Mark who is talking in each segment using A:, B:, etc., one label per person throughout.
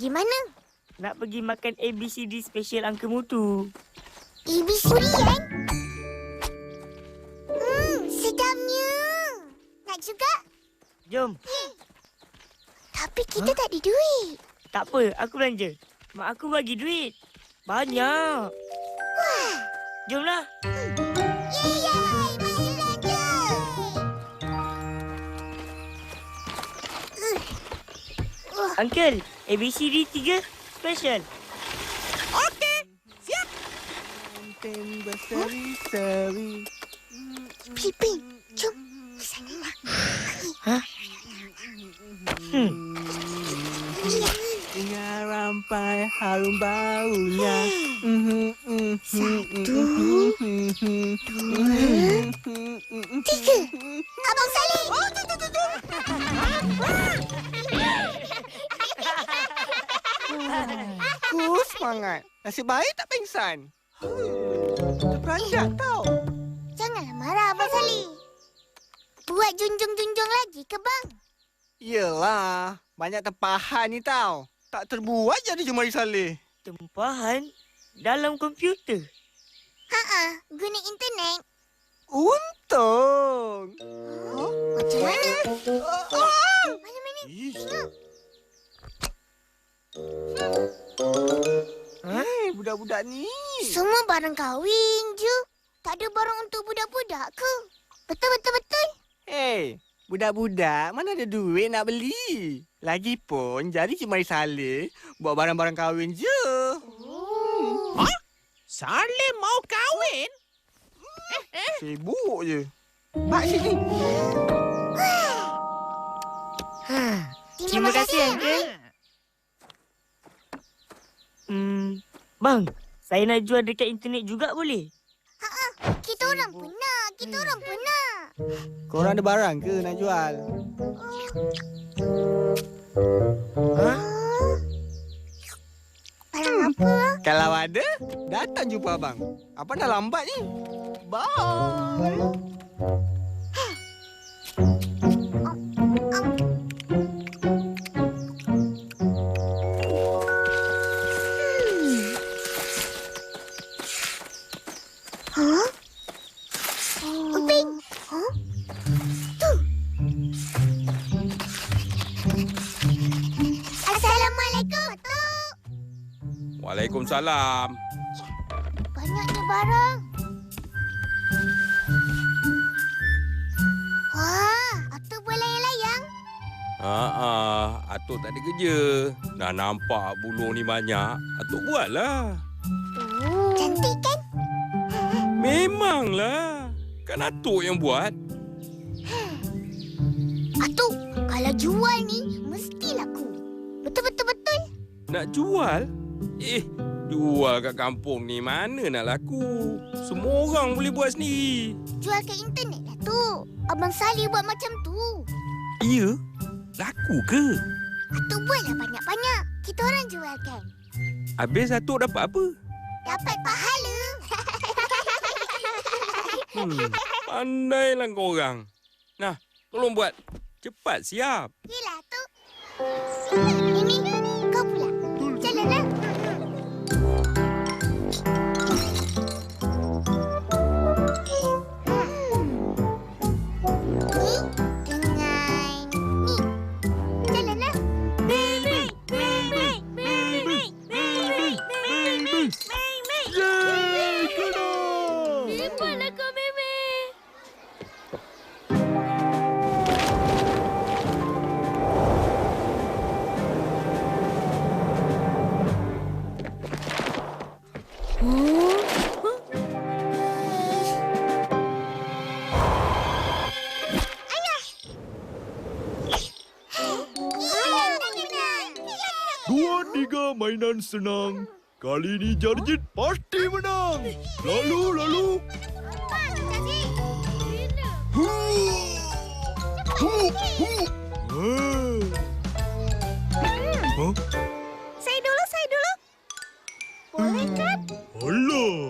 A: pergi mana?
B: Nak pergi makan ABCD special Uncle Mutu.
A: ABCD, kan? Sedapnya. Nak juga?
B: Jom.
A: Tapi kita tak ada duit.
B: Tak apa, aku belanja. Mak aku bagi duit. Banyak.
A: Wah.
B: Jomlah.
A: Yeay, mari belanja.
B: Uncle, ABCD 3 special.
C: Okey, siap.
D: Berseri-seri.
A: Piping, jom. Sana.
B: Hah?
D: Dengar rampai harum baunya.
A: Satu, dua, tiga. Abang Salim.
D: Aku semangat. Nasib baik tak pengsan. Terperanjat tau.
A: Janganlah marah, Abang Salim. Buat junjung-junjung lagi ke, bang?
D: Yelah, banyak tempahan ni tau. Tak terbuat jadi Jemari Saleh.
B: Tempahan dalam komputer.
A: Guna internet.
D: Untung.
A: Macam mana? Mana-mana? Tengok.
D: Budak-budak ni.
A: Semua barang kahwin je. Tak ada barang untuk budak-budak ke? Betul.
D: Hey, budak-budak mana ada duit nak beli. Lagipun jadi Cik Mari Saleh buat barang-barang kahwin je.
C: Saleh mau kahwin?
D: Sibuk je. Mak sini.
B: Terima kasih, Uncle. Bang, saya nak jual dekat internet juga boleh?
A: Kita orang pernah.
D: Korang ada barang ke nak jual?
A: Barang apa?
D: Kalau ada, datang jumpa abang. Abang dah lambat ni. Bye.
A: Uping. Tu. Assalamualaikum, Atuk.
E: Waalaikumsalam.
A: Banyaknya barang. Wah, Atuk boleh layang-layang?
E: Atuk tak ada kerja. Dah nampak buluh ni banyak. Atuk buatlah.
A: Cantik kan?
E: Memanglah. Kan Atuk yang buat.
A: Atuk, kalau jual ni, mesti laku. Betul.
E: Nak jual? Jual kat kampung ni mana nak laku? Semua orang boleh buat sendiri.
A: Jual ke internet lah, Tuk. Abang Salih buat macam tu.
E: Ya? Laku ke?
A: Atuk buatlah banyak-banyak. Kita orang jualkan.
E: Habis Atuk dapat apa?
A: Dapat pahala.
E: Pandailah korang. Nah, tolong buat. Cepat siap.
A: Yelah, Tuk. Ini, kau pula. Jalanlah. Ni dengan ni. Jalanlah.
E: Yeay, kena!
A: Cepatlah kau, Meme.
F: Dua tiga mainan senang. Kali ini Jarjit pasti menang. Lalu.
A: Saya dulu. Boleh kan?
F: Alah.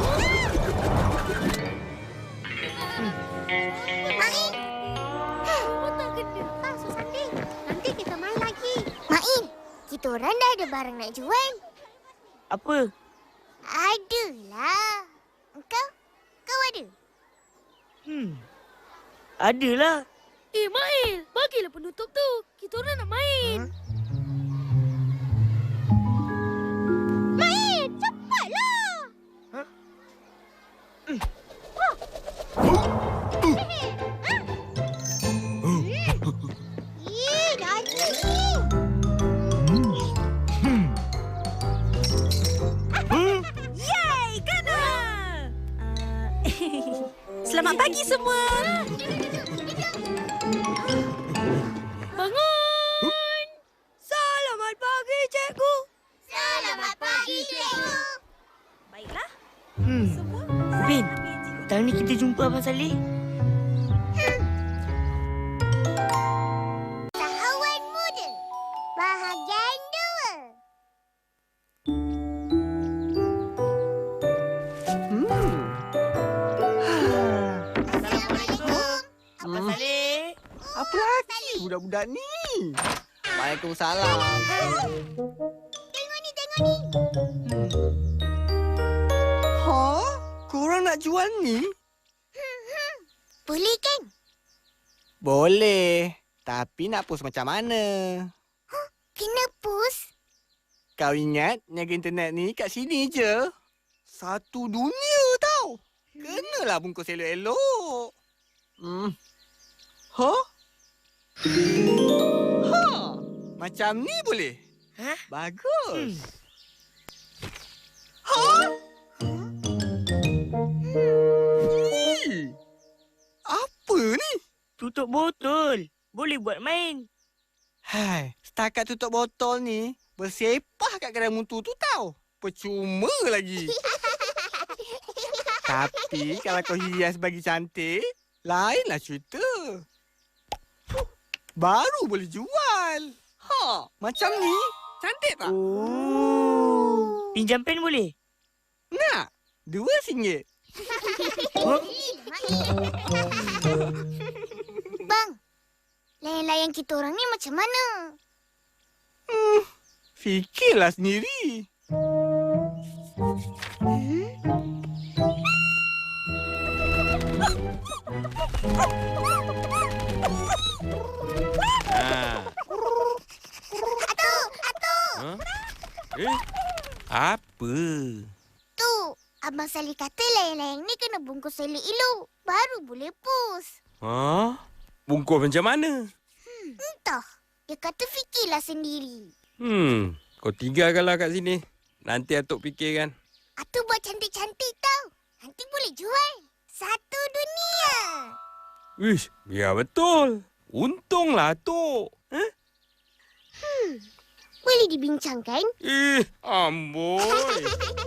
A: Main. Mana ada barang nak jual?
B: Apa?
A: Adalah. Kau ada?
B: Adalah.
G: Mail, bagilah penutup tu. Kita orang nak main.
A: Main, cepatlah. Janji ni.
G: Yay, kena! Selamat pagi semua. Bangun! Selamat pagi, cikgu.
A: Selamat pagi, cikgu.
G: Baiklah,
B: Hmm.
G: semua.
B: Bin, petang ni kita jumpa Abang Saleh.
A: Usahawan muda. Bahagian 2. Assalamualaikum.
B: Abang Saleh.
D: Apa lagi budak-budak ni? Waalaikumsalam.
A: Tengok ni.
D: Ha? Korang nak jual ni?
A: Boleh kan?
D: Boleh. Tapi nak post macam mana?
A: Kena post.
D: Kau ingat niaga internet ni kat sini je? Satu dunia tau. Kenalah bungkus elok-elok. Ha? Ha? Macam ni boleh?
B: Hah?
D: Bagus. Ha? Apa ni?
B: Tutup botol. Boleh buat main.
D: Hai, setakat tutup botol ni bersepah kat kedai mutu tu tau. Percuma lagi. Tapi kalau kau hias bagi cantik, lainlah cerita. Baru boleh jual. Ha, macam ni. Cantik tak?
B: Oh. Pinjam pen boleh?
D: Nak? RM2.
A: Bang, layan-layan kita orang ni macam mana?
D: Fikirlah sendiri.
E: Ha? Apa?
A: Tu, Abang Saleh kata layang-layang ni kena bungkus elok-elok. Baru boleh post.
E: Ha? Bungkus macam mana?
A: Entah. Dia kata fikirlah sendiri.
E: Kau tinggalkanlah kat sini. Nanti Atuk fikirkan.
A: Atuk buat cantik-cantik tau. Nanti boleh jual. Satu dunia.
E: Wish, biar betul. Untunglah Atuk.
A: Boleh dibincangkan?
E: Amboi.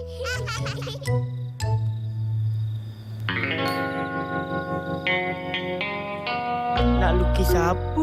B: Nak lukis apa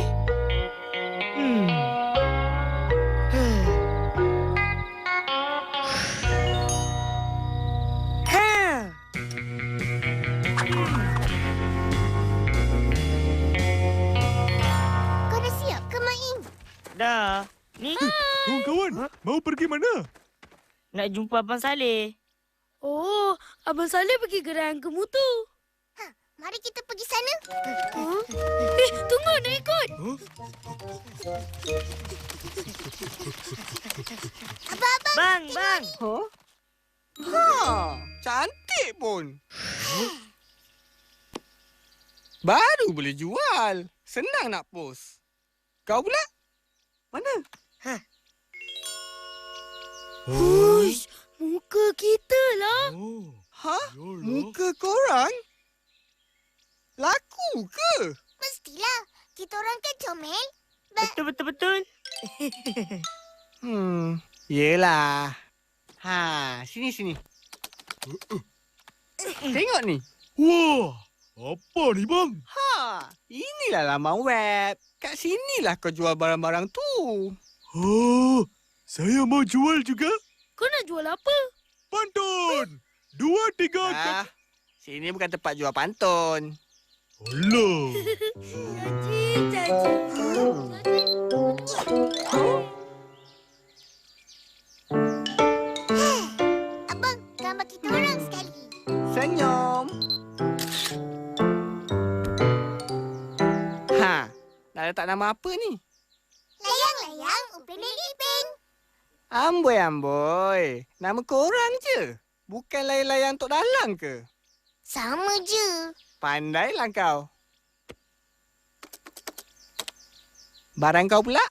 A: Kau dah siap ke main?
B: Dah. Ni
F: Kawan-kawan, mau pergi mana?
B: nak jumpa Abang Saleh.
G: Oh, Abang Saleh pergi gerai angka mutu.
A: Mari kita pergi sana.
G: Tunggu nak ikut.
A: Abang-abang.
B: Bang.
D: Ha, cantik pun. Baru boleh jual. Senang nak post. Kau pula? Mana?
G: Hush, muka kita lah.
F: Oh,
D: Ha?
F: yolah.
D: Muka korang? Laku ke?
A: Mestilah. Kita orang kan comel.
B: Betul.
D: Yelah. Ha, sini. Tengok ni.
F: Wah, apa ni bang?
D: Ha, inilah laman web. Kat sinilah kau jual barang-barang tu.
F: Oh, saya mau jual juga.
G: Kau nak jual apa?
F: Pantun. 2, 3.
D: Ah, sini bukan tempat jual pantun.
F: Alah.
G: Janji.
D: tak nama apa ni?
A: Layang-layang Upin dan Ipin.
D: Amboi. Nama korang je. Bukan layang-layang Tok Dalang ke?
A: Sama je.
D: Pandailah kau. Barang kau pula?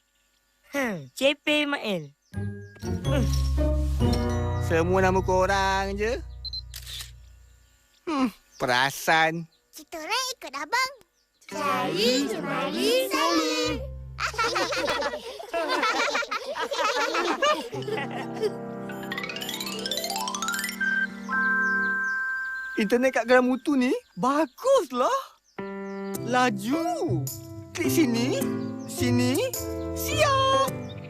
B: Cepe Mael.
D: Semua nama korang je. Perasan.
A: Kita orang ikut abang. Cari, cemari, salin.
D: Internet kat Geram Mutu ni baguslah. Laju. Klik sini. Sini. Siap.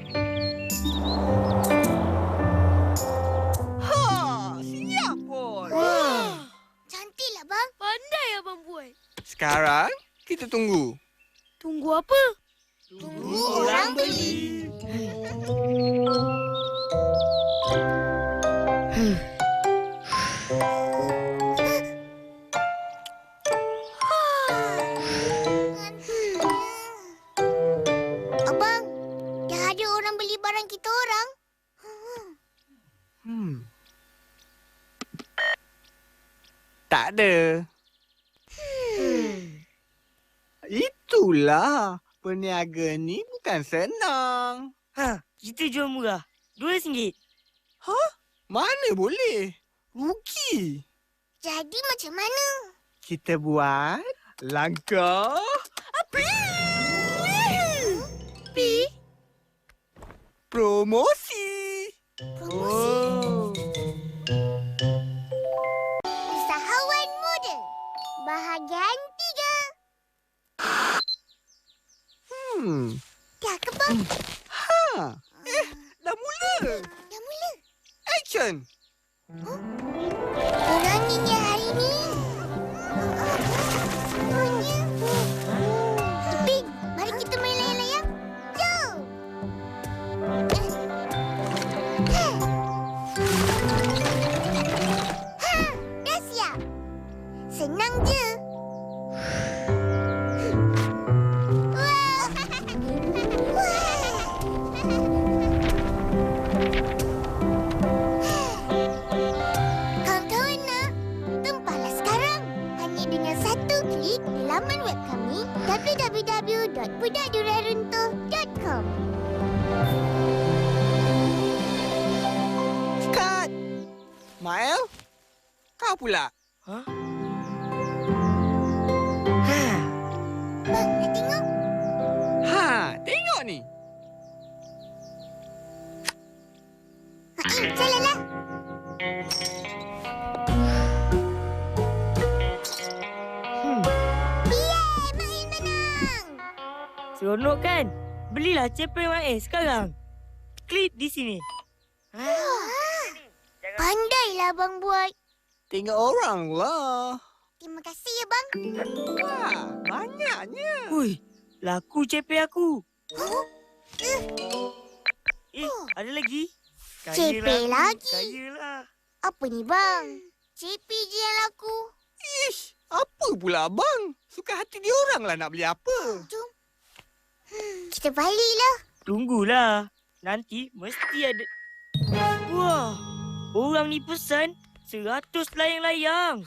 D: Siap pun.
A: Cantiklah bang.
G: Pandai abang buat.
D: Sekarang kita tunggu.
G: Tunggu apa?
A: Tunggu orang beli. Abang, dah ada orang beli barang kita orang.
D: Tak ada. Itulah. Peniaga ni bukan senang.
B: Kita jual murah. RM2.
D: Mana boleh? Rugi.
A: Jadi macam mana?
D: Kita buat langkah promosi.
A: Usahawan muda. Bahagian 3. Dah ke bang?
D: Dah mula.
A: Dah mula.
D: Action.
A: Kuranginya hari ni. Semuanya. Ipin, mari kita main layang-layang. Jom. Dah siap. Senang je. Wah. Kawan-kawan nak, tempahlah sekarang. Hanya dengan satu klik di laman web kami www.budakdurianruntuh.com.
D: Cut. Mael, kau pula.
A: Bang, nak tengok?
D: Tengok ni.
A: Jalanlah. Yeay, Mail menang.
B: Seronok kan? Belilah Cepe Mael sekarang. Klik di sini.
A: Pandailah abang buat.
D: Tengok orang lah.
A: Terima kasih ya bang.
D: Wah, banyaknya.
B: Hui, laku Cepe aku. Ada lagi?
A: Cepe lagi?
B: Kayalah.
A: Apa ni bang? CP je yang laku.
D: Ish, apa pula abang? Suka hati dia orang lah nak beli apa.
A: Jom. Kita baliklah.
B: Tunggulah. Nanti mesti ada. Wah, orang ni pesan 100 layang-layang.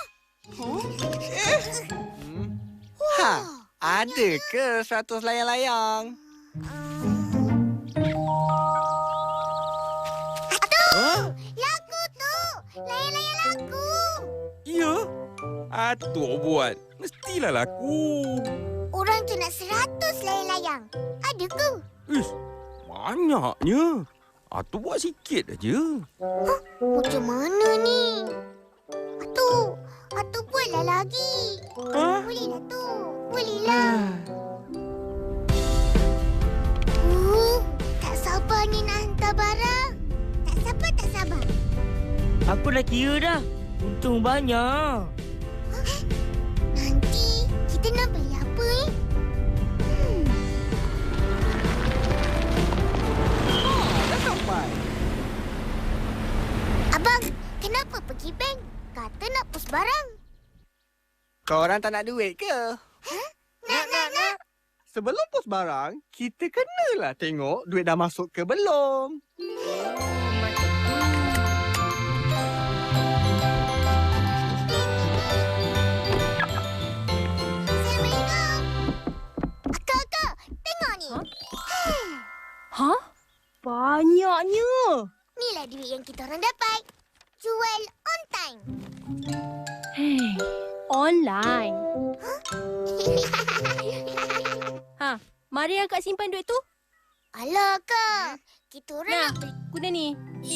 D: Ada ke 100 layang-layang?
A: Laku tu. Layang-layang laku.
E: Ya? Atuk buat. Mestilah laku.
A: Orang tu nak 100 layang-layang. Ada ke?
E: Ish, banyaknya. Atuk buat sikit aja.
A: Macam mana ni? Atu buatlah lagi. Bolehlah tu. Bolehlah. Tak sabar ni nak hantar barang. Tak sabar.
B: Aku dah kira dah. Untung banyak.
A: Nanti kita nak beli apa ni?
D: Dah sampai.
A: Abang, kenapa pergi bank? Kata nak pos barang.
D: Kau orang tak nak duit ke?
A: Nak.
D: sebelum post barang, kita kenalah tengok duit dah masuk ke belum.
A: Assalamualaikum. Akak, tengok ni.
G: Hah? Banyaknya.
A: Inilah duit yang kita orang dapat. Jual on time.
G: Hei, online. Mari akak simpan duit tu.
A: Alah, Kak. Kita orang
G: Nah.
A: nak beli.
G: Guna ni.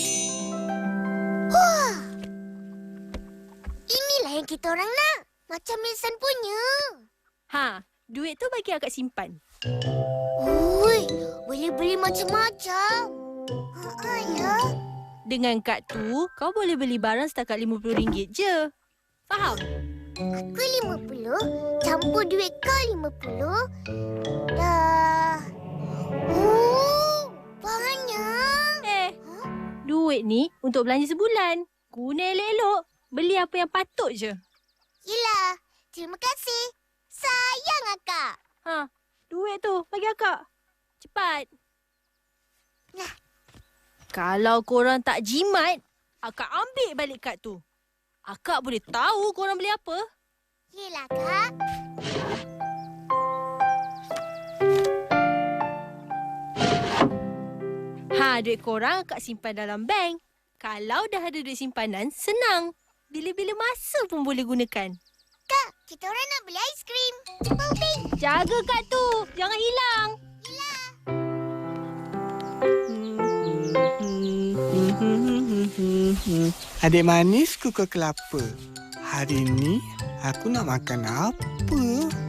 A: Inilah yang kita orang nak. Macam Milson punya.
G: Duit tu bagi akak simpan.
A: Ui, boleh beli macam-macam. Ya.
G: Dengan kad tu, kau boleh beli barang setakat RM50 je. Faham?
A: Aku 50, campur duit kau 50. Dah. Banyak.
G: Duit ni untuk belanja sebulan. Guna elok-elok. Beli apa yang patut je.
A: Yelah, terima kasih. Sayang akak.
G: Duit tu bagi akak. Cepat.
A: Nah.
G: Kalau korang tak jimat, akak ambil balik kad tu. Akak boleh tahu korang beli apa.
A: Yelah, Kak.
G: Duit korang akak simpan dalam bank. Kalau dah ada duit simpanan, senang. Bila-bila masa pun boleh gunakan.
A: Kak, kita orang nak beli aiskrim. Cepat, Upin.
G: Jaga kad tu. Jangan hilang.
D: Adik manis kuku kelapa. Hari ni aku nak makan apa?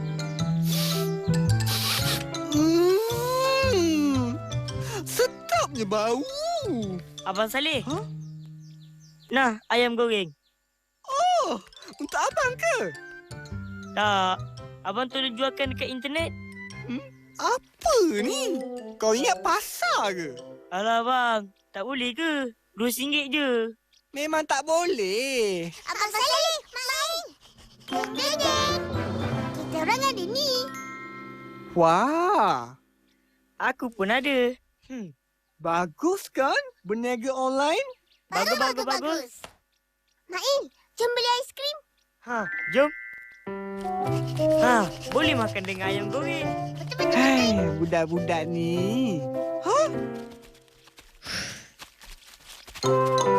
D: Sedapnya bau.
B: Abang Saleh.
D: Hah?
B: Nah, ayam goreng.
D: Oh, untuk abang ke?
B: Tak. Abang tu dah jualkan dekat internet.
D: Apa ni? Kau ingat pasar ke?
B: Alah bang, tak boleh ke? RM2 je.
D: Memang tak boleh.
A: Abang Saleh, main. Geng. Kita orang ada ni.
D: Wah,
B: Aku pun ada.
D: bagus kan berniaga online?
B: Bagus.
A: Main, jom beli aiskrim.
B: Jom. Boleh makan dengan ayam goreng.
A: Betul-betul.
D: Hai, budak-budak ni. Hah?